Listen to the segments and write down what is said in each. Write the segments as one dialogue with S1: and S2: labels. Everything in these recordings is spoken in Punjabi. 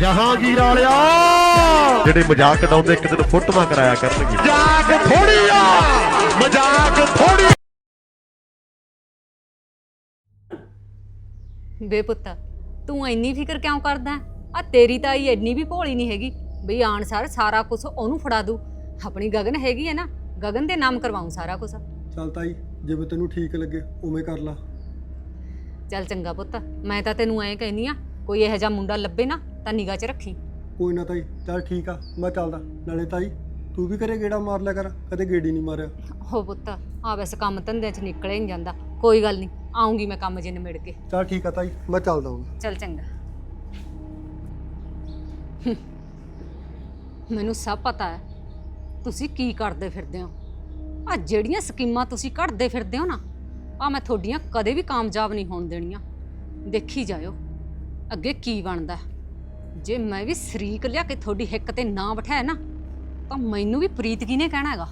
S1: ਜਹਾਂਗੀਰ ਵਾਲਿਆ ਜਿਹੜੇ ਮਜ਼ਾਕ ਉਡਾਉਂਦੇ ਇੱਕ ਦਿਨ ਫੋਟੋਆਂ ਕਰਾਇਆ ਕਰਨਗੇ। ਮਜ਼ਾਕ ਥੋੜੀ ਆ, ਮਜ਼ਾਕ ਥੋੜੀ।
S2: ਵੇ ਪੁੱਤ ਤੂੰ ਇੰਨੀ ਫਿਕਰ ਕਿਉਂ ਕਰਦਾ ਆ? ਤੇਰੀ ਤਾਈ ਇੰਨੀ ਵੀ ਭੋਲੀ ਨਹੀਂ ਹੈਗੀ ਬਈ ਆਣਸਾਰ ਸਾਰਾ ਕੁਝ ਉਹਨੂੰ ਫੜਾ ਦੂ। ਆਪਣੀ ਗਗਨ ਹੈਗੀ ਹੈ ਨਾ, ਗਗਨ ਦੇ ਨਾਮ ਕਰਵਾਉਂ ਸਾਰਾ ਕੁਝ।
S3: ਚੱਲ ਤਾਈ ਜਿਵੇਂ ਤੈਨੂੰ ਠੀਕ ਲੱਗੇ ਉਵੇਂ ਕਰ ਲਾ।
S2: ਚੱਲ ਚੰਗਾ ਪੁੱਤ, ਮੈਂ ਤਾਂ ਤੈਨੂੰ ਐਂ ਕਹਿੰਦੀ ਆ ਕੋਈ ਇਹੋ ਜਿਹਾ ਮੁੰਡਾ ਲੱਭੇ ਨਾ ਤਾਂ ਨਿਗਾਹ 'ਚ ਰੱਖੀ।
S3: ਕੋਈ ਨਾ ਤਾਈ, ਚੱਲ ਠੀਕ ਆ, ਮੈਂ ਚੱਲਦਾ। ਨਾਲੇ ਤਾਈ ਤੂੰ ਵੀ ਘਰੇ ਗੇੜਾ ਮਾਰ ਲਿਆ ਕਰ, ਕਦੇ ਗੇੜੀ ਨਹੀਂ ਮਾਰਿਆ।
S2: ਹੋ ਪੁੱਤ ਆ ਵੈਸੇ ਕੰਮ ਧੰਦਿਆਂ 'ਚ ਨਿਕਲੇ ਨਹੀਂ ਜਾਂਦਾ। ਕੋਈ ਗੱਲ ਨਹੀਂ, ਆਉਂਗੀ ਮੈਂ ਕੰਮ ਜੇ ਨਿਬੜ ਕੇ।
S3: ਚੱਲ ਠੀਕ ਆ ਤਾਈ, ਮੈਂ ਚੱਲਦਾ ਹੁਣ।
S2: ਚੱਲ ਚੰਗਾ। ਮੈਨੂੰ ਸਭ ਪਤਾ ਹੈ ਤੁਸੀਂ ਕੀ ਕਰਦੇ ਫਿਰਦੇ ਹੋ। ਆ ਜਿਹੜੀਆਂ ਸਕੀਮਾਂ ਤੁਸੀਂ ਕੱਢਦੇ ਫਿਰਦੇ ਹੋ ਨਾ, ਆ ਮੈਂ ਤੁਹਾਡੀਆਂ ਕਦੇ ਵੀ ਕਾਮਯਾਬ ਨਹੀਂ ਹੋਣ ਦੇਣੀਆਂ। ਦੇਖੀ ਜਾਇਓ ਅੱਗੇ ਕੀ ਬਣਦਾ। ਜੇ ਮੈਂ ਵੀ ਸ਼ਰੀਕ ਲਿਆ ਕੇ ਤੁਹਾਡੀ ਹਿੱਕ ਤੇ ਨਾ ਬਿਠਾਇਆ ਨਾ ਤਾਂ ਮੈਨੂੰ ਵੀ ਪ੍ਰੀਤ ਕਿਹਨੇ ਕਹਿਣਾ ਹੈਗਾ।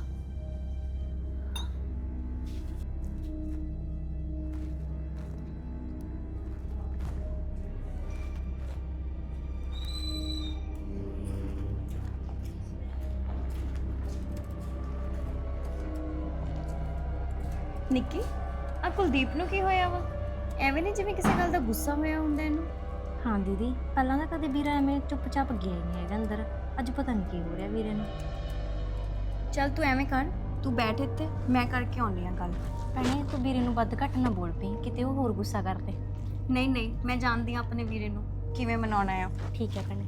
S4: ਨਿੱਕੀ ਆ ਕੁਲਦੀਪ ਨੂੰ ਕੀ ਹੋਇਆ ਵਾ? ਐਵੇਂ ਨਹੀਂ ਜਿਵੇਂ ਕਿਸੇ ਗੱਲ ਦਾ ਗੁੱਸਾ ਹੋਇਆ ਹੁੰਦਾ ਇਹਨੂੰ।
S5: ਹਾਂ ਦੀਦੀ, ਪਹਿਲਾਂ ਤਾਂ ਕਦੇ ਵੀਰਾ ਐਵੇਂ ਚੁੱਪਚਾਪ ਗਿਆ ਹੀ ਨਹੀਂ ਹੈਗਾ ਅੰਦਰ। ਅੱਜ ਪਤਾ ਨਹੀਂ ਕੀ ਹੋ ਰਿਹਾ ਵੀਰੇ ਨੂੰ।
S4: ਚੱਲ ਤੂੰ ਐਵੇਂ ਕਰ, ਤੂੰ ਬੈਠ ਇੱਥੇ, ਮੈਂ ਕਰਕੇ ਆਉਣੀ ਆ ਗੱਲ।
S5: ਭੈਣੇ ਤੂੰ ਵੀਰੇ ਨੂੰ ਵੱਧ ਘੱਟ ਨਾ ਬੋਲ ਪਈ, ਕਿਤੇ ਉਹ ਹੋਰ ਗੁੱਸਾ ਕਰਦੇ।
S4: ਨਹੀਂ ਨਹੀਂ, ਮੈਂ ਜਾਣਦੀ ਆ ਆਪਣੇ ਵੀਰੇ ਨੂੰ ਕਿਵੇਂ ਮਨਾਉਣਾ ਆ।
S5: ਠੀਕ ਹੈ ਭੈਣੇ।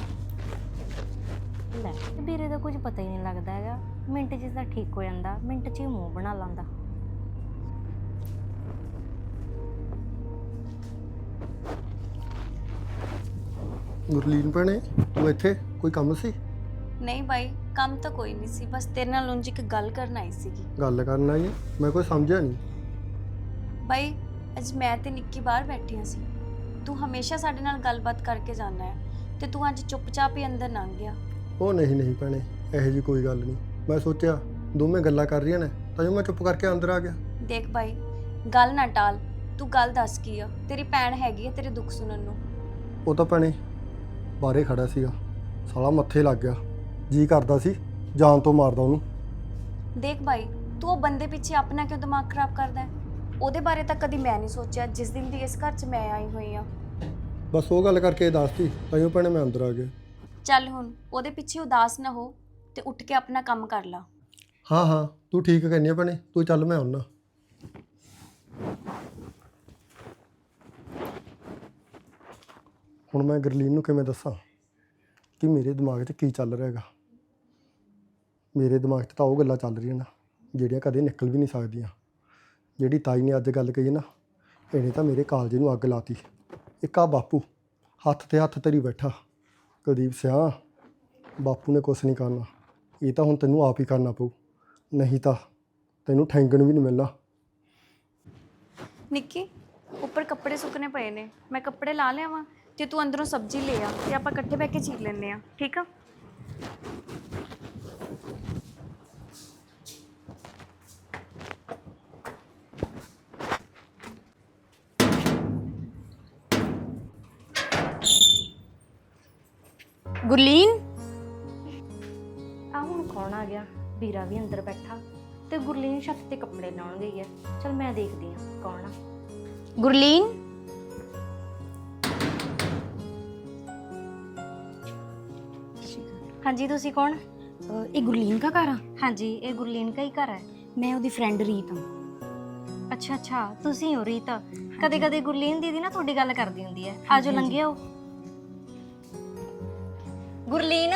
S5: ਲੈ ਵੀਰੇ ਦਾ ਕੁਝ ਪਤਾ ਹੀ ਨਹੀਂ ਲੱਗਦਾ ਹੈਗਾ। ਮਿੰਟ 'ਚ ਤਾਂ ਠੀਕ ਹੋ ਜਾਂਦਾ, ਮਿੰਟ 'ਚ ਹੀ ਮੂੰਹ ਬਣਾ ਲਾਂਦਾ।
S3: ਗੁਰਲੀਨ ਭੈਣੇ ਤੂੰ ਇੱਥੇ ਕੋਈ ਕੰਮ ਸੀ?
S4: ਨਹੀਂ ਬਾਈ, ਕੰਮ ਤਾਂ ਕੋਈ ਨਹੀਂ ਸੀ, ਬਸ ਤੇਰੇ ਨਾਲ ਉਂਝ ਇੱਕ ਗੱਲ ਕਰਨ ਆਈ ਸੀਗੀ।
S3: ਗੱਲ ਕਰਨ ਆਈ? ਮੈਂ ਕੋਈ ਸਮਝਿਆ ਨਹੀਂ।
S4: ਬਾਈ ਅੱਜ ਮੈਂ ਤੇ ਨਿੱਕੀ ਬਾਹਰ ਬੈਠੀਆਂ ਸੀ। ਤੂੰ ਹਮੇਸ਼ਾ ਸਾਡੇ ਨਾਲ ਗੱਲਬਾਤ ਕਰਕੇ ਜਾਂਦਾ ਹੈ ਤੇ ਤੂੰ ਅੱਜ ਚੁੱਪਚਾਪ ਹੀ ਅੰਦਰ ਲੰਘ ਗਿਆ।
S3: ਉਹ ਨਹੀਂ ਭੈਣੇ, ਇਹੋ ਜਿਹੀ ਕੋਈ ਗੱਲ ਨਹੀਂ। ਮੈਂ ਸੋਚਿਆ ਦੋਵੇਂ ਗੱਲਾਂ ਕਰ ਰਹੀਆਂ ਨੇ ਤਾਂ ਜੋ ਮੈਂ ਚੁੱਪ ਕਰਕੇ ਅੰਦਰ ਆ ਗਿਆ।
S4: ਦੇਖ ਬਾਈ, ਗੱਲ ਨਾ ਟਾਲ, ਤੂੰ ਗੱਲ ਦੱਸ ਕੀ ਆ। ਤੇਰੀ ਭੈਣ ਹੈਗੀ ਆ ਤੇਰੇ ਦੁੱਖ ਸੁਣਨ ਨੂੰ।
S3: ਉਹ ਤਾਂ ਭੈਣੇ ਬਾਹਰੇ ਖੜਾ ਸੀਗਾ, ਸਾਲਾ ਮੱਥੇ ਲੱਗ ਗਿਆ। ਜੀ ਕਰਦਾ ਸੀ ਜਾਨ ਤੋਂ ਮਾਰਦਾ ਉਹਨੂੰ।
S4: ਦੇਖ ਬਾਈ, ਤੂੰ ਉਹ ਬੰਦੇ ਪਿੱਛੇ ਆਪਣਾ ਕਿਉਂ ਦਿਮਾਗ ਖਰਾਬ ਕਰਦਾ ਹੈ? ਉਹਦੇ ਬਾਰੇ ਤਾਂ ਕਦੀ ਮੈਂ ਨਹੀਂ ਸੋਚਿਆ ਜਿਸ ਦਿਨ ਦੀ ਇਸ ਘਰ 'ਚ ਮੈਂ ਆਈ ਹੋਈ ਆ।
S3: ਬਸ ਉਹ ਗੱਲ ਕਰਕੇ ਦੱਸਤੀ ਤਾਂ ਜੋ ਭੈਣੇ ਮੈਂ ਅੰਦਰ ਆ ਗਿਆ।
S4: ਚੱਲ ਹੁਣ ਉਹਦੇ ਪਿੱਛੇ ਉਦਾਸ ਨਾ ਹੋ ਤੇ ਉੱਠ ਕੇ ਆਪਣਾ ਕੰਮ ਕਰ ਲਾ।
S3: ਹਾਂ ਤੂੰ ਠੀਕ ਕਹਿੰਦੀ ਆ ਭੈਣੇ, ਤੂੰ ਚੱਲ ਮੈਂ ਆਉਣਾ। ਹੁਣ ਮੈਂ ਗੁਰਲੀਨ ਨੂੰ ਕਿਵੇਂ ਦੱਸਾਂ ਕਿ ਮੇਰੇ ਦਿਮਾਗ 'ਚ ਕੀ ਚੱਲ ਰਿਹਾ ਹੈਗਾ। ਮੇਰੇ ਦਿਮਾਗ 'ਚ ਤਾਂ ਉਹ ਗੱਲਾਂ ਚੱਲ ਰਹੀਆਂ ਨਾ ਜਿਹੜੀਆਂ ਕਦੇ ਨਿਕਲ ਵੀ ਨਹੀਂ ਸਕਦੀਆਂ। ਜਿਹੜੀ ਤਾਈ ਨੇ ਅੱਜ ਗੱਲ ਕਹੀ ਨਾ, ਇਹਨੇ ਤਾਂ ਮੇਰੇ ਕਾਲਜੇ ਨੂੰ ਅੱਗ ਲਾਤੀ। ਇੱਕ ਆ ਬਾਪੂ ਹੱਥ ਤੇ ਹੱਥ ਧਰੀ ਬੈਠਾ। ਕੁਲਦੀਪ ਸਿਆ, ਬਾਪੂ ਨੇ ਕੁਛ ਨਹੀਂ ਕਰਨਾ, ਇਹ ਤਾਂ ਹੁਣ ਤੈਨੂੰ ਆਪ ਹੀ ਕਰਨਾ ਪਊ, ਨਹੀਂ ਤਾਂ ਤੈਨੂੰ ਠੈਂਗਣ ਵੀ ਨਹੀਂ ਮਿਲਣਾ।
S4: ਨਿੱਕੀ ਉੱਪਰ ਕੱਪੜੇ ਸੁੱਕਣੇ ਪਏ ਨੇ, ਮੈਂ ਕੱਪੜੇ ਲਾ ਲਿਆਵਾਂ ਤੇ ਤੂੰ ਅੰਦਰੋਂ ਸਬਜ਼ੀ ਲੈ ਆ ਤੇ ਆਪਾਂ ਇਕੱਠੇ ਬੈ ਕੇ ਚੀਰ ਲੈਂਦੇ ਆ, ਠੀਕ ਆ?
S2: ਗੁਰਲੀਨ
S5: ਆ ਹੁਣ ਕੌਣ ਆ ਗਿਆ? ਵੀਰਾ ਵੀ ਅੰਦਰ ਬੈਠਾ ਤੇ ਗੁਰਲੀਨ ਛੱਤ ਤੇ ਕੱਪੜੇ ਲਾਉਣ ਗਈ ਹੈ। ਚਲ ਮੈਂ ਦੇਖਦੀ ਹਾਂ ਕੌਣ ਆ।
S2: ਗੁਰਲੀਨ
S5: ਹਾਂਜੀ ਤੁਸੀਂ ਕੌਣ?
S6: ਇਹ ਗੁਰਲੀਨ ਦਾ ਘਰ ਆ?
S5: ਹਾਂਜੀ ਇਹ ਗੁਰਲੀਨ ਦਾ ਹੀ ਘਰ ਹੈ।
S6: ਮੈਂ ਉਹਦੀ ਫਰੈਂਡ ਰੀਤ ਹਾਂ।
S5: ਅੱਛਾ ਤੁਸੀਂ ਹੋ ਰੀਤ? ਕਦੇ ਕਦੇ ਗੁਰਲੀਨ ਦੀਦੀ ਨਾ ਤੁਹਾਡੀ ਗੱਲ ਕਰਦੀ ਹੁੰਦੀ ਹੈ। ਆਜੋ ਲੰਘੇ ਆਓ। ਗੁਰਲੀਨ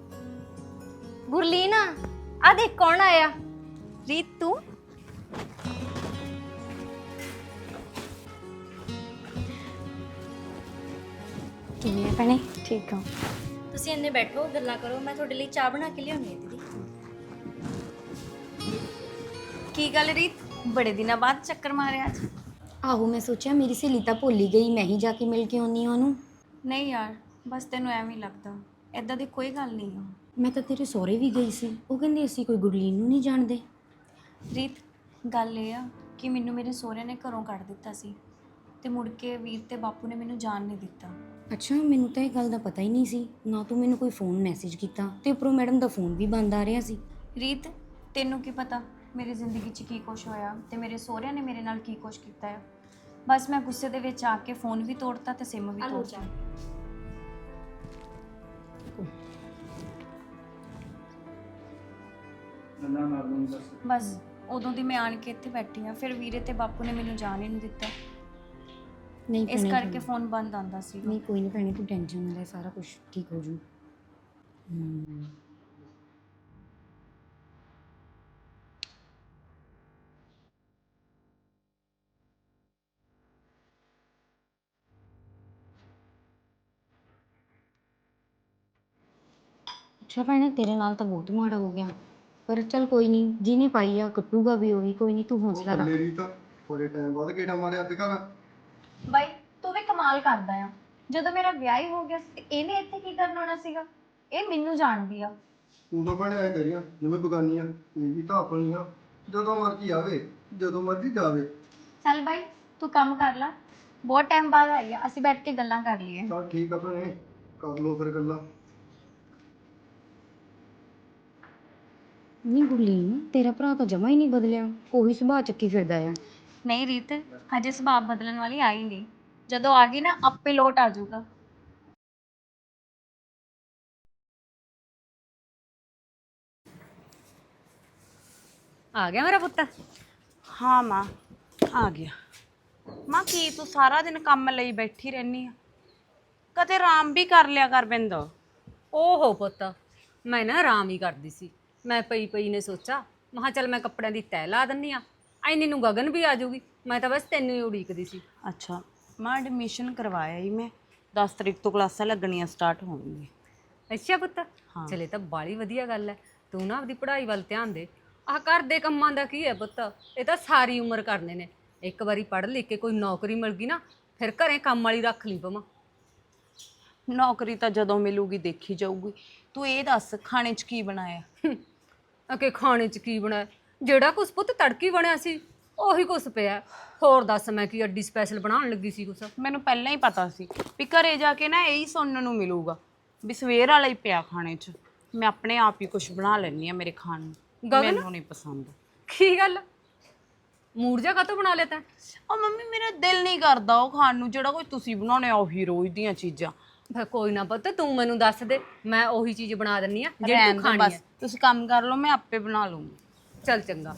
S5: ਆ ਦੇਖ ਕੌਣ ਆਇਆ।
S4: ਰੀਤ ਤੂੰ?
S6: ਕਿਵੇਂ ਆ ਭੈਣੇ?
S4: ਠੀਕ ਆ।
S5: ਤੁਸੀਂ ਇੰਨੇ ਬੈਠੋ ਗੱਲਾਂ ਕਰੋ, ਮੈਂ ਤੁਹਾਡੇ ਲਈ ਚਾਹ ਬਣਾ ਕੇ ਲਿਆਉਣੀ ਹੈ ਦੀਦੀ।
S4: ਕੀ ਗੱਲ ਰੀਤ, ਬੜੇ ਦਿਨਾਂ ਬਾਅਦ ਚੱਕਰ ਮਾਰਿਆ ਅੱਜ?
S6: ਆਹੋ ਮੈਂ ਸੋਚਿਆ ਮੇਰੀ ਸਹੇਲੀ ਤਾਂ ਭੁੱਲ ਹੀ ਗਈ, ਮੈਂ ਹੀ ਜਾ ਕੇ ਮਿਲ ਕੇ ਆਉਣੀ ਆ ਉਹਨੂੰ।
S4: ਨਹੀਂ ਯਾਰ, ਬਸ ਤੈਨੂੰ ਐਵੇਂ ਹੀ ਲੱਗਦਾ, ਐਦਾਂ ਦੀ ਕੋਈ ਗੱਲ ਨਹੀਂ ਆ।
S6: ਮੈਂ ਤਾਂ ਤੇਰੇ ਸਹੁਰੇ ਵੀ ਗਈ ਸੀ, ਉਹ ਕਹਿੰਦੇ ਅਸੀਂ ਕੋਈ ਗੁਰਲੀਨ ਨੂੰ ਨਹੀਂ ਜਾਣਦੇ।
S4: ਰੀਤ ਗੱਲ ਇਹ ਆ ਕਿ ਮੈਨੂੰ ਮੇਰੇ ਸਹੁਰੇ ਨੇ ਘਰੋਂ ਕੱਢ ਦਿੱਤਾ ਸੀ ਤੇ ਮੁੜ ਕੇ ਵੀਰ ਤੇ ਬਾਪੂ ਨੇ ਮੈਨੂੰ ਜਾਣ ਨਹੀਂ ਦਿੱਤਾ।
S6: ਅੱਛਾ, ਮੈਨੂੰ ਤਾਂ ਇਹ ਗੱਲ ਦਾ ਪਤਾ ਹੀ ਨਹੀਂ ਸੀ। ਨਾ ਤੂੰ ਮੈਨੂੰ ਕੋਈ ਫੋਨ ਮੈਸੇਜ ਕੀਤਾ ਤੇ ਉੱਪਰੋਂ ਮੈਡਮ ਦਾ ਫੋਨ ਵੀ ਬੰਦ ਆ ਰਿਹਾ ਸੀ।
S4: ਰੀਤ, ਤੈਨੂੰ ਕੀ ਪਤਾ ਮੇਰੀ ਜ਼ਿੰਦਗੀ 'ਚ ਕੀ ਕੁਛ ਹੋਇਆ ਤੇ ਮੇਰੇ ਸਹੁਰਿਆਂ ਨੇ ਮੇਰੇ ਨਾਲ ਕੀ ਕੁਛ ਕੀਤਾ ਹੈ। ਬਸ ਮੈਂ ਗੁੱਸੇ ਦੇ ਵਿੱਚ ਆ ਕੇ ਫੋਨ ਵੀ ਤੋੜਤਾ ਤੇ ਸਿਮ ਵੀ ਤੋੜਤਾ। ਬਸ ਉਦੋਂ ਦੀ ਮੈਂ ਆਣ ਕੇ ਇੱਥੇ ਬੈਠੀ ਆ, ਫਿਰ ਵੀਰੇ ਤੇ ਬਾਪੂ ਨੇ ਮੈਨੂੰ ਜਾਣ ਹੀ ਨਹੀਂ ਦਿੱਤਾ।
S6: ਨਹੀਂ
S4: ਇਸ
S6: ਭੈਣੇ,
S4: ਕਰਕੇ ਫੋਨ ਬੰਦ ਆਂਦਾ ਸੀ।
S6: ਨਹੀਂ ਕੋਈ ਨਹੀਂ ਭੈਣੇ, ਤੂੰ ਟੈਨਸ਼ਨ ਨਾ ਲੈ, ਸਾਰਾ ਕੁਝ ਠੀਕ ਹੋ ਜੂ। ਅੱਛਾ ਭੈਣੇ, ਤੇਰੇ ਨਾਲ ਤਾਂ ਬਹੁਤ ਮਾੜਾ ਹੋ ਗਿਆ, ਪਰ ਚੱਲ ਕੋਈ ਨਹੀਂ, ਜਿਹਨੇ ਪਾਈ ਆ ਕੱਟੂਗਾ ਵੀ ਉਹੀ। ਕੋਈ ਨਹੀਂ, ਤੂੰ ਹੌਸਲਾ ਰੱਖ।
S3: ਮੇਰੀ ਤਾਂ ਥੋੜੇ ਟਾਈਮ ਬਾਅਦ ਕਿਹੜਾ ਮਾਰਿਆ ਅੱਜ ਕੱਲ੍ਹ।
S4: ਬਾਈ ਤੂੰ ਵੀ ਕਮਾਲ ਕਰਦਾ ਆ। ਜਦੋਂ ਮੇਰਾ ਵਿਆਹ ਹੀ ਹੋ ਗਿਆ ਸੀ ਤੇ ਇਹਨੇ ਇੱਥੇ ਕੀ ਕਰਨ ਆਉਣਾ ਸੀਗਾ? ਇਹ ਮੈਨੂੰ ਜਾਣਦੀ ਆ।
S3: ਤੂੰ ਤਾਂ ਭੈਣੇ ਐ ਕਰੀਆਂ ਜਿਵੇਂ ਬਗਾਨੀਆਂ, ਇਹ ਵੀ ਤਾਂ ਆਪਣੀਆਂ। ਜਦੋਂ ਮਰਜ਼ੀ ਆਵੇ, ਜਦੋਂ ਮਰਜ਼ੀ ਜਾਵੇ।
S4: ਚੱਲ ਬਾਈ ਤੂੰ ਕੰਮ ਕਰ ਲੈ, ਬਹੁਤ ਟਾਈਮ ਬਾਅਦ ਆਈ ਆ, ਅਸੀਂ ਬੈਠ ਕੇ ਗੱਲਾਂ ਕਰ ਲਈਏ।
S3: ਚੱਲ ਠੀਕ ਆ ਭੈਣੇ, ਕਰ ਲਓ ਫਿਰ ਗੱਲਾਂ।
S6: ਨਹੀਂ ਗੁਰਲੀਨ, ਤੇਰਾ ਭਰਾ ਤਾਂ ਜਮਾ ਹੀ ਨਹੀਂ ਬਦਲਿਆ, ਉਹੀ ਸੁਭਾਅ ਚੱਕੀ ਫਿਰਦਾ ਆ।
S4: ਨਹੀਂ ਰੀਤ, ਹਜੇ ਸੁਭਾਅ ਬਦਲਣ ਵਾਲੀ ਆਈ ਨਹੀਂ। ਜਦੋਂ ਆ ਗਈ ਨਾ ਆਪੇ ਲੋਟ ਆ ਜਾਊਗਾ।
S2: ਆ ਗਿਆ ਮੇਰਾ ਪੁੱਤ।
S7: ਹਾਂ ਮਾਂ, ਆ ਗਿਆ। ਮਾਂ ਕੀ ਤੂੰ ਸਾਰਾ ਦਿਨ ਕੰਮ ਲਈ ਬੈਠੀ ਰਹਿਨੀ ਆ? ਕਦੇ ਆਰਾਮ ਵੀ ਕਰ ਲਿਆ ਕਰ ਬਿੰਦ।
S2: ਓਹੋ ਪੁੱਤ, ਮੈਂ ਨਾ ਆਰਾਮ ਹੀ ਕਰਦੀ ਸੀ। ਮੈਂ ਪਈ ਨੇ ਸੋਚਾ, ਮਹਾ ਚੱਲ ਮੈਂ ਕੱਪੜਿਆਂ ਦੀ ਤਹਿ ਲਾ ਦਿੰਨੀ ਆ, ਐਨੀ ਨੂੰ ਗਗਨ ਵੀ ਆ ਜਾਊਗੀ। ਮੈਂ ਤਾਂ ਬਸ ਤੈਨੂੰ ਹੀ ਉਡੀਕਦੀ ਸੀ।
S7: ਅੱਛਾ ਮਾਂ, ਐਡਮਿਸ਼ਨ ਕਰਵਾਇਆ ਹੀ ਮੈਂ, 10 ਤਰੀਕ ਤੋਂ ਕਲਾਸਾਂ ਲੱਗਣੀਆਂ ਸਟਾਰਟ ਹੋਣਗੀਆਂ।
S2: ਅੱਛਾ ਪੁੱਤ, ਚਲੇ ਤਾਂ ਬਾਲੀ ਵਧੀਆ ਗੱਲ ਹੈ। ਤੂੰ ਨਾ ਆਪਦੀ ਪੜ੍ਹਾਈ ਵੱਲ ਧਿਆਨ ਦੇ। ਆਹ ਘਰ ਦੇ ਕੰਮਾਂ ਦਾ ਕੀ ਹੈ ਪੁੱਤ, ਇਹ ਤਾਂ ਸਾਰੀ ਉਮਰ ਕਰਨੇ ਨੇ। ਇੱਕ ਵਾਰੀ ਪੜ੍ਹ ਲਿਖ ਕੇ ਕੋਈ ਨੌਕਰੀ ਮਿਲ ਗਈ ਨਾ, ਫਿਰ ਘਰੇ ਕੰਮ ਵਾਲੀ ਰੱਖ ਲਈ ਪਵਾਂ।
S7: ਨੌਕਰੀ ਤਾਂ ਜਦੋਂ ਮਿਲੂਗੀ ਦੇਖੀ ਜਾਊਗੀ। ਤੂੰ ਇਹ ਦੱਸ ਖਾਣੇ 'ਚ ਕੀ ਬਣਾਇਆ?
S2: ਅਕੇ ਖਾਣੇ 'ਚ ਕੀ ਬਣਾਇਆ? ਜਿਹੜਾ ਕੁਛ ਪੁੱਤ ਤੜਕੀ ਬਣਿਆ ਸੀ ਉਹੀ ਕੁਛ ਪਿਆ। ਹੋਰ ਦੱਸ, ਮੈਂ ਕੀ ਅੱਡੀ ਸਪੈਸ਼ਲ ਬਣਾਉਣ ਲੱਗੀ ਸੀ ਕੁਛ?
S7: ਮੈਨੂੰ ਪਹਿਲਾਂ ਹੀ ਪਤਾ ਸੀ ਵੀ ਘਰੇ ਜਾ ਕੇ ਨਾ ਇਹੀ ਸੁਣਨ ਨੂੰ ਮਿਲੂਗਾ ਵੀ ਸਵੇਰ ਵਾਲਾ ਹੀ ਪਿਆ ਖਾਣੇ 'ਚ। ਮੈਂ ਆਪਣੇ ਆਪ ਹੀ ਕੁਛ ਬਣਾ ਲੈਂਦੀ ਆ ਮੇਰੇ ਖਾਣ ਨੂੰ, ਮੈਨੂੰ ਨਹੀਂ ਪਸੰਦ।
S2: ਕੀ ਗੱਲ, ਮੂਡ ਜਾ ਕਾਤੋਂ ਬਣਾ ਲਿਆ ਤੈਂ?
S7: ਉਹ ਮੰਮੀ ਮੇਰਾ ਦਿਲ ਨਹੀਂ ਕਰਦਾ ਉਹ ਖਾਣ ਨੂੰ ਜਿਹੜਾ ਕੋਈ ਤੁਸੀਂ ਬਣਾਉਣੇ ਆ, ਉਹੀ ਰੋਜ਼ ਦੀਆਂ ਚੀਜ਼ਾਂ।
S2: ਫਿਰ ਕੋਈ ਨਾ ਪੁੱਤ, ਤੂੰ ਮੈਨੂੰ ਦੱਸ ਦੇ, ਮੈਂ ਉਹੀ ਚੀਜ਼ ਬਣਾ ਦਿੰਨੀ ਆ ਜਿਹੜੀ
S7: ਰਹਿਣ
S2: ਤੂੰ
S7: ਦਿਓ
S2: ਖਾਣੀ
S7: ਬਸ,
S2: ਹੈ।
S7: ਤੁਸੀਂ ਕੰਮ ਕਰ ਲਓ, ਮੈਂ ਆਪੇ ਬਣਾ ਲੂੰਗੀ।
S2: ਚੱਲ ਚੰਗਾ।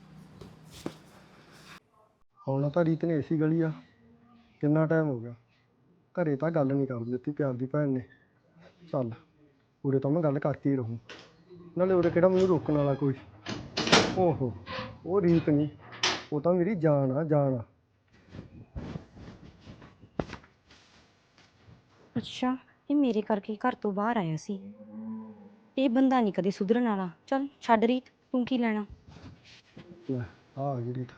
S3: ਹੁਣ ਤਾਂ ਰੀਤ ਨੇ ਐਸੀ ਗਲੀ ਆ, ਕਿੰਨਾ ਟਾਈਮ ਹੋ ਗਿਆ ਘਰੇ ਤਾਂ ਗੱਲ ਨਹੀਂ ਕਰਨ ਦਿੱਤੀ ਪਿਆਰ ਦੀ ਭੈਣ ਨੇ। ਚੱਲ ਉਰੇ ਤਾਂ ਮੈਂ ਗੱਲ ਕਰਕੇ ਹੀ ਰਹੂੰ, ਨਾਲੇ ਉਰੇ ਕਿਹੜਾ ਮੈਨੂੰ ਰੋਕਣ ਵਾਲਾ ਕੋਈ। ਓਹੋ, ਉਹ ਰੀਤ ਨਹੀਂ, ਉਹ ਤਾਂ ਮੇਰੀ ਜਾਨ ਆ, ਜਾਨ ਆ।
S6: ਅੱਛਾ, ਇਹ ਮੇਰੇ ਕਰਕੇ ਘਰ ਤੋਂ ਬਾਹਰ ਆਇਆ ਸੀ। ਇਹ ਬੰਦਾ ਨਹੀਂ ਕਦੇ ਸੁਧਰਨ ਵਾਲਾ। ਚੱਲ ਛੱਡ ਰੀਤ, ਤੂੰ ਕੀ ਲੈਣਾ।
S3: ਲੈ ਆ ਗਈ ਰੀਤ।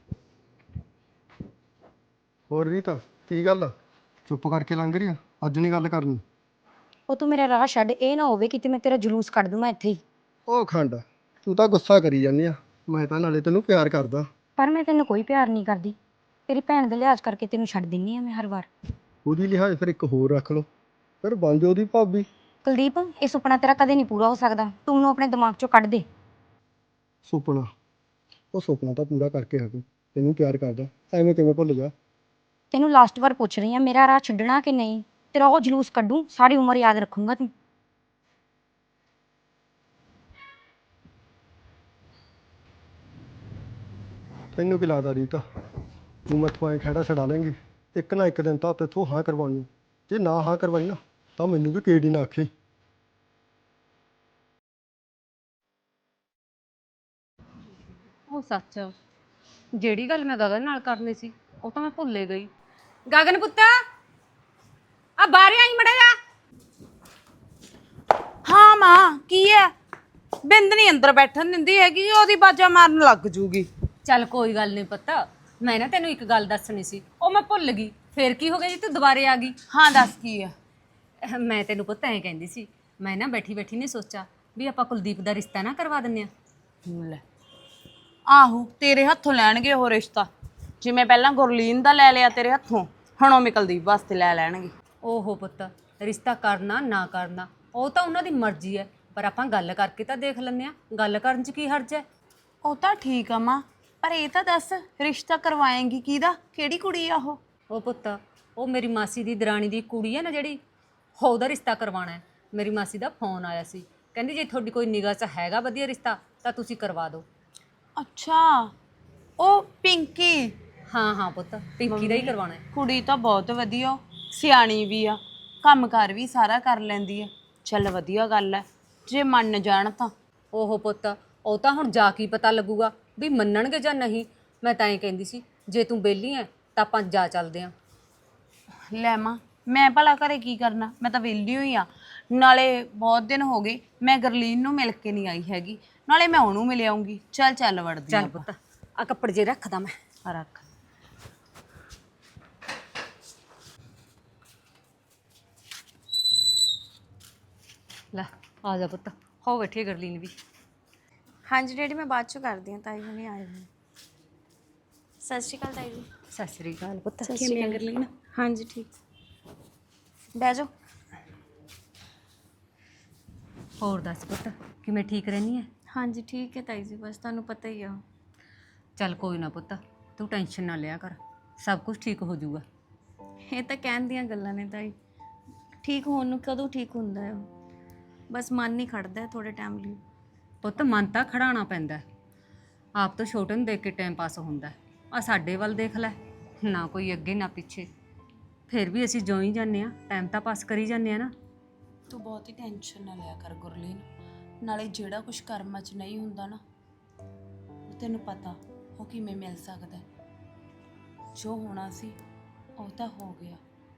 S3: ਹੋਰ ਰੀਤ, ਕੀ ਗੱਲ ਚੁੱਪ ਕਰਕੇ ਲੰਘ ਰਹੀ ਆ? ਅੱਜ ਨਹੀਂ ਗੱਲ ਕਰਨੀ?
S6: ਉਹ ਤੂੰ ਮੇਰਾ ਰਾਹ ਛੱਡ, ਇਹ ਨਾ ਹੋਵੇ ਕਿਤੇ ਮੈਂ ਤੇਰਾ ਜਲੂਸ ਕੱਢ ਦੂੰ ਮੈਂ ਇੱਥੇ ਹੀ।
S3: ਉਹ ਖੰਡ, ਤੂੰ ਤਾਂ ਗੁੱਸਾ ਕਰੀ ਜਾਂਦੀ ਆ। ਮੈਂ ਤਾਂ ਨਾਲੇ ਤੈਨੂੰ ਪਿਆਰ ਕਰਦਾ।
S6: ਪਰ ਮੈਂ ਤੈਨੂੰ ਕੋਈ ਪਿਆਰ ਨਹੀਂ ਕਰਦੀ, ਤੇਰੀ ਭੈਣ ਦੇ ਲਿਹਾਜ਼ ਕਰਕੇ ਤੈਨੂੰ ਛੱਡ ਦਿੰਨੀ ਆ ਮੈਂ ਹਰ ਵਾਰ।
S3: ਉਹਦੀ ਲਿਹਾਜ਼ ਫਿਰ ਇੱਕ ਹੋਰ ਰੱਖ ਲਓ, ਫਿਰ ਬਣ ਜਾਓ ਉਹਦੀ ਭਾਬੀ।
S6: ਕੁਲਦੀਪ, ਇਹ ਸੁਪਨਾ ਤੇਰਾ ਕਦੇ ਨਹੀਂ ਪੂਰਾ ਹੋ ਸਕਦਾ, ਤੂੰ ਉਹਨੂੰ ਆਪਣੇ ਦਿਮਾਗ ਚੋਂ ਕੱਢ ਦੇ।
S3: ਸੁਪਨਾ? ਉਹ ਸੁਪਨਾ ਤਾਂ ਪੂਰਾ ਕਰਕੇ ਹਟੂ। ਤੈਨੂੰ ਪਿਆਰ ਕਰਦਾ, ਐਵੇਂ ਕਿਵੇਂ ਭੁੱਲ ਜਾ?
S6: ਤੈਨੂੰ ਲਾਸਟ ਵਾਰ ਪੁੱਛ ਰਹੀ ਆ, ਮੇਰਾ ਰਾਹ ਛੱਡਣਾ ਕਿ ਨਹੀਂ? ਤੇਰਾ ਉਹ ਜਲੂਸ ਕੱਢੂ, ਸਾਰੀ ਉਮਰ ਯਾਦ ਰੱਖੂੰਗਾ ਤੂੰ।
S3: ਤੈਨੂੰ ਕੀ ਲੱਗਦਾ ਰੀਤਾ, ਤੂੰ ਮੈਥੋਂ ਐਂ ਖਹਿੜਾ ਛਡਾ ਲੇਂਗੀ? ਇੱਕ ਨਾ ਇੱਕ ਦਿਨ ਤਾਂ ਤੈਥੋਂ ਹਾਂ ਕਰਵਾਉਣੀ। ਜੇ ਨਾ ਹਾਂ ਕਰਵਾਈ ਨਾ ਤਾਂ ਮੈਨੂੰ ਵੀ ਕਿਹੜੀ ਨਾ ਆਖੀ।
S2: ਉਹ ਸੱਚ, ਜਿਹੜੀ ਗੱਲ ਮੈਂ ਗਗਨ ਨਾਲ ਕਰਨੀ ਸੀ ਉਹ ਤਾਂ ਮੈਂ ਭੁੱਲੇ ਗਈ। ਗਗਨ ਪੁੱਤ, ਆ ਬਾਹਰ ਆਈ ਮੜਾ ਜਾ।
S7: ਹਾਂ ਮਾਂ, ਕੀ ਹੈ? ਬਿੰਦ ਨਹੀਂ ਅੰਦਰ ਬੈਠਣ ਦਿੰਦੀ ਹੈਗੀ, ਉਹਦੀ ਬਾਜਾ ਮਾਰਨ ਲੱਗ ਜੂਗੀ।
S2: ਚੱਲ ਕੋਈ ਗੱਲ ਨਹੀਂ ਪੁੱਤ, ਮੈਂ ਨਾ ਤੈਨੂੰ ਇੱਕ ਗੱਲ ਦੱਸਣੀ ਸੀ, ਉਹ ਮੈਂ ਭੁੱਲ ਗਈ। ਫੇਰ ਕੀ ਹੋ ਗਿਆ ਜੀ ਤੂੰ ਦੁਬਾਰੇ ਆ ਗਈ?
S7: ਹਾਂ ਦੱਸ ਕੀ ਹੈ?
S2: ਮੈਂ ਤੈਨੂੰ ਪੁੱਤ ਐਂ ਕਹਿੰਦੀ ਸੀ, ਮੈਂ ਨਾ ਬੈਠੀ ਨੇ ਸੋਚਾ ਵੀ ਆਪਾਂ ਕੁਲਦੀਪ ਦਾ ਰਿਸ਼ਤਾ ਨਾ ਕਰਵਾ ਦਿੰਨੇ ਆ।
S7: ਲੈ ਆਹੋ, ਤੇਰੇ ਹੱਥੋਂ ਲੈਣਗੇ ਉਹ ਰਿਸ਼ਤਾ। ਜਿਵੇਂ ਪਹਿਲਾਂ ਗੁਰਲੀਨ ਦਾ ਲੈ ਲਿਆ ਤੇਰੇ ਹੱਥੋਂ, ਹੁਣ ਉਹ ਕੁਲਦੀਪ ਵਾਸਤੇ ਲੈ ਲੈਣਗੇ।
S2: ਓਹੋ ਪੁੱਤ, ਰਿਸ਼ਤਾ ਕਰਨਾ ਨਾ ਕਰਨਾ ਉਹ ਤਾਂ ਉਹਨਾਂ ਦੀ ਮਰਜ਼ੀ ਹੈ, ਪਰ ਆਪਾਂ ਗੱਲ ਕਰਕੇ ਤਾਂ ਦੇਖ ਲੈਂਦੇ ਆ। ਗੱਲ ਕਰਨ 'ਚ ਕੀ ਹਰਜ ਹੈ?
S7: ਉਹ ਤਾਂ ਠੀਕ ਆ ਮਾਂ, ਪਰ ਇਹ ਤਾਂ ਦੱਸ ਰਿਸ਼ਤਾ ਕਰਵਾਏਂਗੀ ਕਿਹਦਾ? ਕਿਹੜੀ ਕੁੜੀ ਆ ਉਹ?
S2: ਉਹ ਪੁੱਤ, ਉਹ ਮੇਰੀ ਮਾਸੀ ਦੀ ਦਰਾਣੀ ਦੀ ਕੁੜੀ ਹੈ ਨਾ ਜਿਹੜੀ, ਉਹਦਾ ਰਿਸ਼ਤਾ ਕਰਵਾਉਣਾ ਹੈ। ਮੇਰੀ ਮਾਸੀ ਦਾ ਫੋਨ ਆਇਆ ਸੀ, ਕਹਿੰਦੀ ਜੇ ਤੁਹਾਡੀ ਕੋਈ ਨਿਗਾਹ 'ਚ ਹੈਗਾ ਵਧੀਆ ਰਿਸ਼ਤਾ ਤਾਂ ਤੁਸੀਂ ਕਰਵਾ ਦਿਓ।
S7: ਅੱਛਾ, ਉਹ ਪਿੰਕੀ।
S2: ਹਾਂ ਹਾਂ ਪੁੱਤ, ਪਿੰਕੀ ਦਾ ਹੀ ਕਰਵਾਉਣਾ ਹੈ।
S7: ਕੁੜੀ ਤਾਂ ਬਹੁਤ ਵਧੀਆ, ਸਿਆਣੀ ਵੀ ਆ, ਕੰਮਕਾਰ ਵੀ ਸਾਰਾ ਕਰ ਲੈਂਦੀ ਆ। ਚੱਲ ਵਧੀਆ ਗੱਲ ਹੈ ਜੇ ਮੰਨ ਜਾਣ ਤਾਂ।
S2: ਓਹੋ ਪੁੱਤ, ਉਹ ਤਾਂ ਹੁਣ ਜਾ ਕੇ ਪਤਾ ਲੱਗੂਗਾ ਵੀ ਮੰਨਣਗੇ ਜਾਂ ਨਹੀਂ। ਮੈਂ ਤਾਂ ਇਹ ਕਹਿੰਦੀ ਸੀ ਜੇ ਤੂੰ ਵਿਹਲੀ ਐ ਤਾਂ ਆਪਾਂ ਜਾ ਚੱਲਦੇ ਆਂ।
S7: ਲੈ ਮਾਂ, ਮੈਂ ਭਲਾ ਘਰੇ ਕੀ ਕਰਨਾ? ਮੈਂ ਤਾਂ ਵਿਹਲੀ ਹੋਈ ਆ। ਨਾਲੇ ਬਹੁਤ ਦਿਨ ਹੋ ਗਏ ਮੈਂ ਗਰਲੀਨ ਨੂੰ ਮਿਲ ਕੇ ਨਹੀਂ ਆਈ ਹੈਗੀ, ਨਾਲੇ ਮੈਂ ਉਹਨੂੰ ਮਿਲ ਆਉਂਗੀ। ਚੱਲ ਵੜਦੀ
S2: ਚੱਲ ਪੁੱਤ, ਆ ਕੱਪੜੇ ਜੇ ਰੱਖਦਾ ਮੈਂ।
S7: ਆ ਰੱਖ।
S2: ਲੈ ਆ ਜਾ ਪੁੱਤ, ਹੋ ਬੈਠੀ ਗਰਲੀਨ ਵੀ।
S4: ਹਾਂਜੀ ਡੈਡੀ, ਮੈਂ ਬਾਅਦ ਚੋਂ ਕਰਦੀ ਹਾਂ, ਤਾਈ ਹੁਣੀ ਆਏ ਨੇ। ਸਤਿ ਸ਼੍ਰੀ ਅਕਾਲ ਤਾਈ ਜੀ।
S2: ਸਤਿ ਸ੍ਰੀ ਅਕਾਲ ਪੁੱਤ।
S4: ਕਿਵੇਂ ਗਰਲੀਨ? ਹਾਂਜੀ ਠੀਕ। ਬਹਿ ਜਾਓ।
S2: ਹੋਰ ਦੱਸ ਪੁੱਤ, ਕਿਵੇਂ ਠੀਕ ਰਹਿਨੀ ਐ?
S4: ਹਾਂਜੀ ਠੀਕ ਹੈ ਤਾਈ ਜੀ, ਬਸ ਤੁਹਾਨੂੰ ਪਤਾ ਹੀ ਆ।
S2: ਚੱਲ ਕੋਈ ਨਾ ਪੁੱਤ, ਤੂੰ ਟੈਨਸ਼ਨ ਨਾ ਲਿਆ ਕਰ, ਸਭ ਕੁਝ ਠੀਕ ਹੋ ਜਾਊਗਾ।
S4: ਇਹ ਤਾਂ ਕਹਿਣ ਦੀਆਂ ਗੱਲਾਂ ਨੇ ਤਾਈ, ਠੀਕ ਹੋਣ ਨੂੰ ਕਦੋਂ ਠੀਕ ਹੁੰਦਾ ਹੈ? ਬਸ ਮਨ ਨਹੀਂ ਖੜਦਾ ਥੋੜੇ ਟਾਈਮ ਲਈ।
S2: ਪੁੱਤ ਮਨ ਤਾਂ ਖੜਾਉਣਾ ਪੈਂਦਾ ਹੈ। ਆਪ ਤੋਂ ਛੋਟੇ ਨੂੰ ਦੇਖ ਕੇ ਟਾਈਮ ਪਾਸ ਹੁੰਦਾ। ਆ ਸਾਡੇ ਵੱਲ ਦੇਖ ਲੈ, ਨਾ ਕੋਈ ਅੱਗੇ ਨਾ ਪਿੱਛੇ, ਫਿਰ ਵੀ ਅਸੀਂ ਜਿਉਂ ਹੀ ਜਾਂਦੇ ਆ, ਟਾਈਮ ਤਾਂ ਪਾਸ ਕਰੀ ਜਾਂਦੇ ਆ ਨਾ।
S7: ਤੂੰ ਬਹੁਤੀ ਟੈਨਸ਼ਨ ਨਾ ਲਿਆ ਕਰ ਗੁਰਲੀਨ, ਨਾਲੇ ਜਿਹੜਾ ਕੁਝ ਕਰਮਾਂ 'ਚ ਨਹੀਂ ਹੁੰਦਾ ਨਾ, ਉਹ ਤੈਨੂੰ ਪਤਾ ਉਹ ਕਿਵੇਂ ਮਿਲ ਸਕਦਾ ਹੈ। ਜੋ ਹੋਣਾ ਸੀ ਉਹ ਤਾਂ ਹੋ ਗਿਆ।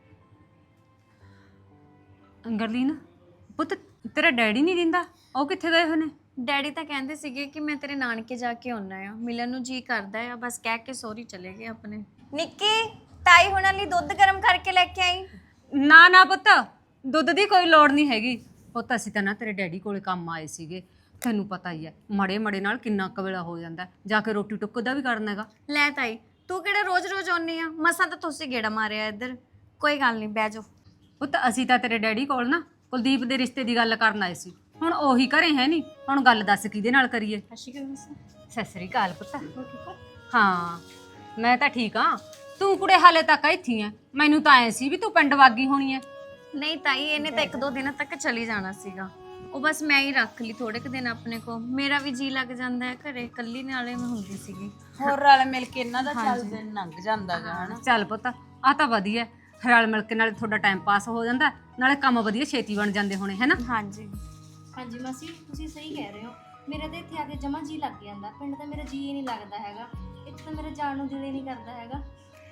S2: ਗਰਲੀਨ ਪੁੱਤ, ਤੇਰਾ ਡੈਡੀ ਨਹੀਂ ਦਿੰਦਾ, ਉਹ ਕਿੱਥੇ ਗਏ ਹੋਏ ਨੇ?
S4: ਡੈਡੀ ਤਾਂ ਕਹਿੰਦੇ ਸੀਗੇ ਕਿ ਮੈਂ ਤੇਰੇ ਨਾਨਕੇ ਜਾ ਕੇ ਆਉਣਾ ਆ, ਮਿਲਣ ਨੂੰ ਜੀ ਕਰਦਾ ਆ, ਬਸ ਕਹਿ ਕੇ ਸੋਰੀ ਚਲੇ ਗਏ ਆਪਣੇ। ਨਿੱਕੀ, ਤਾਈ ਹੁਣਾਂ ਲਈ ਦੁੱਧ ਗਰਮ ਕਰਕੇ ਲੈ ਕੇ ਆਈ।
S2: ਨਾ ਨਾ ਪੁੱਤ, ਦੁੱਧ ਦੀ ਕੋਈ ਲੋੜ ਨਹੀਂ ਹੈਗੀ। ਪੁੱਤ ਅਸੀਂ ਤਾਂ ਨਾ ਤੇਰੇ ਡੈਡੀ ਕੋਲੇ ਕੰਮ ਆਏ ਸੀਗੇ, ਤੈਨੂੰ ਪਤਾ ਹੀ ਹੈ ਮੜੇ ਮੜੇ ਨਾਲ ਕਿੰਨਾ ਕਵੇਲਾ ਹੋ ਜਾਂਦਾ, ਜਾ ਕੇ ਰੋਟੀ ਟੁੱਕ ਦਾ ਵੀ ਕਰਨਾ ਹੈਗਾ।
S4: ਲੈ ਤਾਈ, ਤੂੰ ਕਿਹੜਾ ਰੋਜ਼-ਰੋਜ਼ ਆਉਣੀ ਆ? ਮਸਾਂ ਤਾਂ ਤੁਸੀਂ ਗੇੜਾ ਮਾਰਿਆ ਇੱਧਰ। ਕੋਈ ਗੱਲ ਨਹੀਂ, ਬਹਿ ਜਾਓ।
S2: ਪੁੱਤ ਅਸੀਂ ਤਾਂ ਤੇਰੇ ਡੈਡੀ ਕੋਲ ਨਾ ਕੁਲਦੀਪ ਦੇ ਰਿਸ਼ਤੇ ਦੀ ਗੱਲ ਕਰਨ ਆਏ ਸੀ, ਹੁਣ ਉਹੀ ਘਰੇ ਹੈ ਨਹੀਂ, ਹੁਣ ਗੱਲ ਦੱਸ ਕਿਹਦੇ ਨਾਲ ਕਰੀਏ? ਸਤਿ ਸ੍ਰੀ ਅਕਾਲ ਪੁੱਤ। ਹਾਂ ਮੈਂ ਤਾਂ ਠੀਕ ਹਾਂ, ਤੂੰ ਕੁੜੇ ਹਾਲੇ ਤੱਕ ਇੱਥੇ ਆ। ਮੈਨੂੰ ਤਾਂ ਐ ਸੀ ਵੀ ਤੂੰ ਪਿੰਡ ਵਾਗੀ ਹੋਣੀ ਐ।
S4: ਨਹੀਂ ਤਾਈ, ਇਹਨੇ ਤਾਂ 1-2 ਦਿਨਾਂ ਤੱਕ ਚਲੀ ਜਾਣਾ ਸੀਗਾ, ਉਹ ਬਸ ਮੈਂ ਹੀ ਰੱਖ ਲਈ ਥੋੜੇ ਕੁ ਦਿਨ ਆਪਣੇ ਕੋ। ਮੇਰਾ ਵੀ ਜੀ ਲੱਗ ਜਾਂਦਾ ਹੈ ਘਰੇ, ਇਕੱਲੀ ਨਾਲੇ ਮੈਂ ਹੁੰਦੀ ਸੀਗੀ।
S7: ਹੋਰ ਰਲ ਮਿਲ ਕੇ ਇਹਨਾਂ ਦਾ ਚੱਲ ਦਿਨ ਲੰਘ ਜਾਂਦਾ ਗਾ ਹਨਾ।
S2: ਚੱਲ ਪੁੱਤ, ਆ ਤਾਂ ਵਧੀਆ, ਰਲ ਮਿਲ ਕੇ ਨਾਲੇ ਤੁਹਾਡਾ ਟਾਈਮ ਪਾਸ ਹੋ ਜਾਂਦਾ, ਨਾਲੇ ਕੰਮ ਵਧੀਆ ਛੇਤੀ ਬਣ ਜਾਂਦੇ ਹੋਣੇ ਹੈ ਨਾ।
S4: ਹਾਂਜੀ
S5: ਹਾਂਜੀ ਮਾਸੀ, ਤੁਸੀਂ ਸਹੀ ਕਹਿ ਰਹੇ ਹੋ। ਮੇਰਾ ਤਾਂ ਇੱਥੇ ਆ ਕੇ ਜਮਾ ਜੀ ਲੱਗ ਜਾਂਦਾ, ਪਿੰਡ ਤਾਂ ਮੇਰਾ ਜੀ ਹੀ ਨਹੀਂ ਲੱਗਦਾ ਹੈਗਾ, ਇੱਥੇ ਤਾਂ ਮੇਰਾ ਜਾਣ ਨੂੰ ਦਿਲ ਹੀ ਨਹੀਂ ਕਰਦਾ ਹੈਗਾ।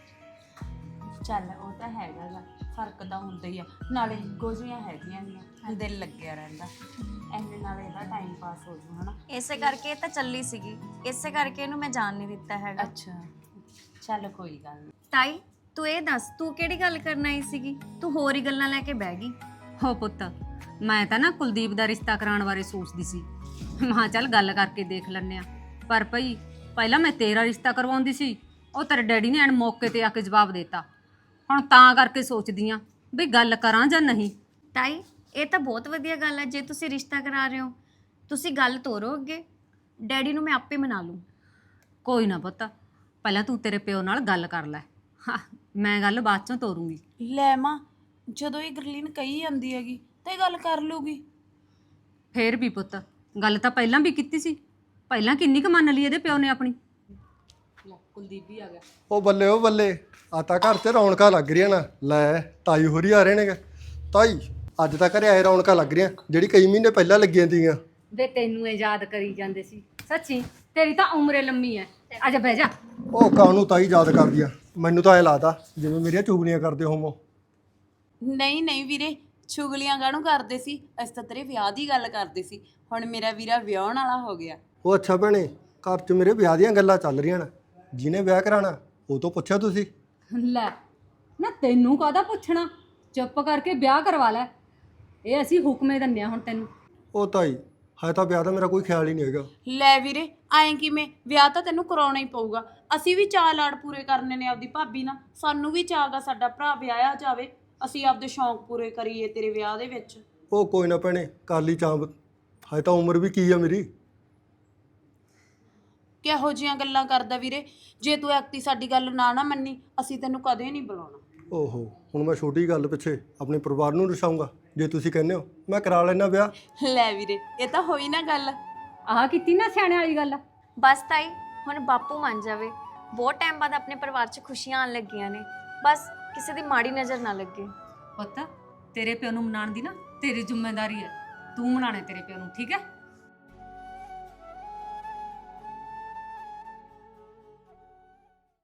S7: ਚੱਲ ਉਹ ਤਾਂ ਹੈਗਾ ਗਾ, ਫਰਕ ਤਾਂ ਹੁੰਦਾ ਹੀ ਆ, ਨਾਲੇ ਗੋਜੀਆਂ ਹੈਗੀਆਂ ਗੀਆਂ, ਦਿਲ ਲੱਗਿਆ ਰਹਿੰਦਾ, ਐਨੇ ਨਾਲ ਇਹਦਾ ਟਾਈਮ ਪਾਸ ਹੋ ਜੂ ਹਨਾ।
S4: ਇਸੇ ਕਰਕੇ ਇਹ ਤਾਂ ਚੱਲੀ ਸੀਗੀ, ਇਸੇ ਕਰਕੇ ਇਹਨੂੰ ਮੈਂ ਜਾਣ ਨਹੀਂ ਦਿੱਤਾ ਹੈਗਾ।
S7: ਅੱਛਾ ਚੱਲ ਕੋਈ ਗੱਲ ਨਹੀਂ।
S4: ਤਾਈ ਤੂੰ ਇਹ ਦੱਸ, ਤੂੰ ਕਿਹੜੀ ਗੱਲ ਕਰਨ ਆਈ ਸੀਗੀ? ਤੂੰ ਹੋਰ ਹੀ ਗੱਲਾਂ ਲੈ ਕੇ ਬਹਿ ਗਈ।
S2: ਹੋ ਪੁੱਤ, ਮੈਂ ਤਾਂ ਨਾ ਕੁਲਦੀਪ ਦਾ ਰਿਸ਼ਤਾ ਕਰਾਉਣ ਬਾਰੇ ਸੋਚਦੀ ਸੀ, ਮਾਂ ਚੱਲ ਗੱਲ ਕਰਕੇ ਦੇਖ ਲੈਂਦੇ ਆ। ਪਰ ਭਈ ਪਹਿਲਾਂ ਮੈਂ ਤੇਰਾ ਰਿਸ਼ਤਾ ਕਰਵਾਉਂਦੀ ਸੀ, ਉਹ ਤੇਰੇ ਡੈਡੀ ਨੇ ਐਨ ਮੌਕੇ ਤੇ ਆ ਕੇ ਜਵਾਬ ਦੇਤਾ। ਹੁਣ ਤਾਂ ਕਰਕੇ ਸੋਚਦੀ ਆ ਵੀ ਗੱਲ ਕਰਾਂ ਜਾਂ ਨਹੀਂ।
S4: ਤਾਈ ਇਹ ਤਾਂ ਬਹੁਤ ਵਧੀਆ ਗੱਲ ਹੈ, ਜੇ ਤੁਸੀਂ ਰਿਸ਼ਤਾ ਕਰਾ ਰਹੇ ਹੋ ਤੁਸੀਂ ਗੱਲ ਤੋਰੋ ਅੱਗੇ, ਡੈਡੀ ਨੂੰ ਮੈਂ ਆਪੇ ਮਨਾ ਲੂੰ।
S2: ਕੋਈ ਨਾ ਪੁੱਤ, ਪਹਿਲਾਂ ਤੂੰ ਤੇਰੇ ਪਿਓ ਨਾਲ ਗੱਲ ਕਰ ਲੈ, ਹਾਂ ਮੈਂ ਗੱਲ ਬਾਅਦ ਚੋਂ ਤੋਰੂੰਗੀ।
S7: ਲੈ ਮਾਂ, ਜਦੋਂ ਇਹ ਗਰਲੀਨ ਕਹੀ ਜਾਂਦੀ ਹੈਗੀ ਤੇ ਗੱਲ ਕਰ ਲੂਗੀ।
S2: ਫੇਰ ਵੀ ਪੁੱਤ, ਗੱਲ ਤਾਂ ਪਹਿਲਾਂ ਵੀ ਕੀਤੀ ਸੀ, ਪਹਿਲਾਂ ਕਿੰਨੀ ਕੁ ਮੰਨ ਲਈ ਇਹਦੇ ਪਿਓ ਨੇ ਆਪਣੀ। ਕੁਲਦੀਪ ਵੀ ਆ ਗਿਆ।
S3: ਉਹ ਬੱਲੇ ਉਹ ਬੱਲੇ, ਆ ਤਾਂ ਘਰ 'ਚ ਰੌਣਕਾਂ ਲੱਗ ਰਹੀਆਂ ਨਾ। ਲੈ ਤਾਈ ਹੋਰੀ ਆ ਰਹੇ ਨੇਗੇ। ਤਾਈ ਅੱਜ ਤਾਂ ਘਰੇ ਆਏ ਰੌਣਕਾਂ ਲੱਗ ਰਹੀਆਂ, ਜਿਹੜੀ ਕਈ ਮਹੀਨੇ ਪਹਿਲਾਂ ਲੱਗੀਆਂ ਤੀਆਂ।
S2: ਵੇ ਤੈਨੂੰ ਇਹ ਯਾਦ ਕਰੀ ਜਾਂਦੇ ਸੀ, ਸੱਚੀ ਤੇਰੀ ਤਾਂ ਉਮਰੇ ਲੰਮੀ ਐ। ਆਜਾ ਬਹਿ ਜਾ।
S3: ਉਹ ਕਾਹਨੂੰ ਤਾਈ ਯਾਦ ਕਰਦੀ ਆ, ਮੈਨੂੰ ਤਾਂ ਐ ਲੱਗਦਾ ਜਿਵੇਂ ਮੇਰੀਆਂ ਚੁਗਲੀਆਂ ਕਰਦੇ ਹੋਮੋ।
S7: ਨਹੀਂ ਨਹੀਂ ਵੀਰੇ, ਚੁਗਲੀਆਂ ਕਾਹਨੂੰ ਕਰਦੇ ਸੀ, ਅਸੀਂ ਤਾਂ ਤੇਰੇ ਵਿਆਹ ਦੀ ਗੱਲ ਕਰਦੇ ਸੀ। ਹੁਣ ਮੇਰਾ ਵੀਰਾ ਵਿਆਹਣ ਵਾਲਾ ਹੋ ਗਿਆ।
S3: ਉਹ ਅੱਛਾ ਭੈਣੇ, ਘਰ 'ਚ ਮੇਰੇ ਵਿਆਹ ਦੀਆਂ ਗੱਲਾਂ ਚੱਲ ਰਹੀਆਂ ਨੇ, ਜਿਹਨੇ ਵਿਆਹ ਕਰਾਣਾ ਉਹ ਤੋਂ ਪੁੱਛਿਆ ਤੁਸੀਂ?
S2: ਲੈ ਨਾ, ਤੈਨੂੰ ਕਾਹਦਾ ਪੁੱਛਣਾ, ਚੁੱਪ ਕਰਕੇ ਵਿਆਹ ਕਰਵਾ ਲੈ, ਇਹ ਅਸੀਂ ਹੁਕਮੇ ਦਿੰਨੇ ਆ ਹੁਣ ਤੈਨੂੰ।
S3: ਉਹ ਤਾਈ ਹੈ ਤਾਂ ਵਿਆਹ ਦਾ ਮੇਰਾ ਕੋਈ ਖਿਆਲ ਹੀ ਨਹੀਂ ਹੈਗਾ।
S7: ਲੈ ਵੀਰੇ, ਐਂ ਕਿਵੇਂ? ਵਿਆਹ ਤਾਂ ਤੈਨੂੰ ਕਰਾਉਣਾ ਹੀ ਪਊਗਾ, ਅਸੀਂ ਵੀ ਚਾਅ ਲਾੜ ਪੂਰੇ ਕਰਨੇ ਨੇ ਆਪਦੀ ਭਾਬੀ ਨਾਲ। ਸਾਨੂੰ ਵੀ ਚਾਅ ਗਾ ਸਾਡਾ ਭਰਾ ਵਿਆਹਿਆ ਜਾਵੇ, ਅਸੀਂ ਆਪਦੇ ਸ਼ੌਂਕ ਪੂਰੇ ਕਰੀਏ ਤੇਰੇ ਵਿਆਹ ਦੇ ਵਿੱਚ।
S3: ਉਹ ਕੋਈ ਨਾ ਭੈਣੇ, ਕਰ ਲਈ ਚਾਂਪ, ਹਜੇ ਤਾਂ ਉਮਰ ਵੀ ਕੀ ਆ ਮੇਰੀ।
S7: ਕਿਹੋ ਜਿਹੀਆਂ ਗੱਲਾਂ ਕਰਦਾ ਵੀਰੇ, ਜੇ ਤੂੰ ਐਕਤੀ ਸਾਡੀ ਗੱਲ ਨਾ ਮੰਨੀ ਅਸੀਂ ਤੈਨੂੰ ਕਦੇ ਨਹੀਂ ਬੁਲਾਉਣਾ।
S3: ਓਹੋ, ਹੁਣ ਮੈਂ ਛੋਟੀ ਗੱਲ ਪਿੱਛੇ ਆਪਣੇ ਪਰਿਵਾਰ ਨੂੰ ਰਸਾਉਂਗਾ? ਜੇ ਤੁਸੀਂ ਕਹਿੰਦੇ ਹੋ ਮੈਂ ਕਰਾ ਲੈਣਾ ਵਿਆਹ।
S7: ਲੈ ਵੀਰੇ, ਇਹ ਤਾਂ ਹੋਈ ਨਾ ਗੱਲ।
S2: ਆਹ ਕੀਤੀ ਨਾ ਸਿਆਣਿਆਂ ਵਾਲੀ ਗੱਲ।
S4: ਬਸ ਤਾਈ, ਹੁਣ ਬਾਪੂ ਮੰਨ ਜਾਵੇ। ਬਹੁਤ ਟਾਈਮ ਬਾਅਦ ਆਪਣੇ ਪਰਿਵਾਰ 'ਚ ਖੁਸ਼ੀਆਂ ਆਉਣ ਲੱਗੀਆਂ ਨੇ, ਬਸ ਕਿਸੇ ਦੀ ਮਾੜੀ ਨਜ਼ਰ ਨਾ ਲੱਗੇ।
S2: ਪੁੱਤ, ਤੇਰੇ ਪਿਓ ਨੂੰ ਮਨਾਉਣ ਦੀ ਨਾ ਤੇਰੀ ਜ਼ਿੰਮੇਵਾਰੀ ਹੈ, ਤੂੰ ਮਨਾਣੇ ਤੇਰੇ ਪਿਓ ਨੂੰ, ਠੀਕ ਹੈ?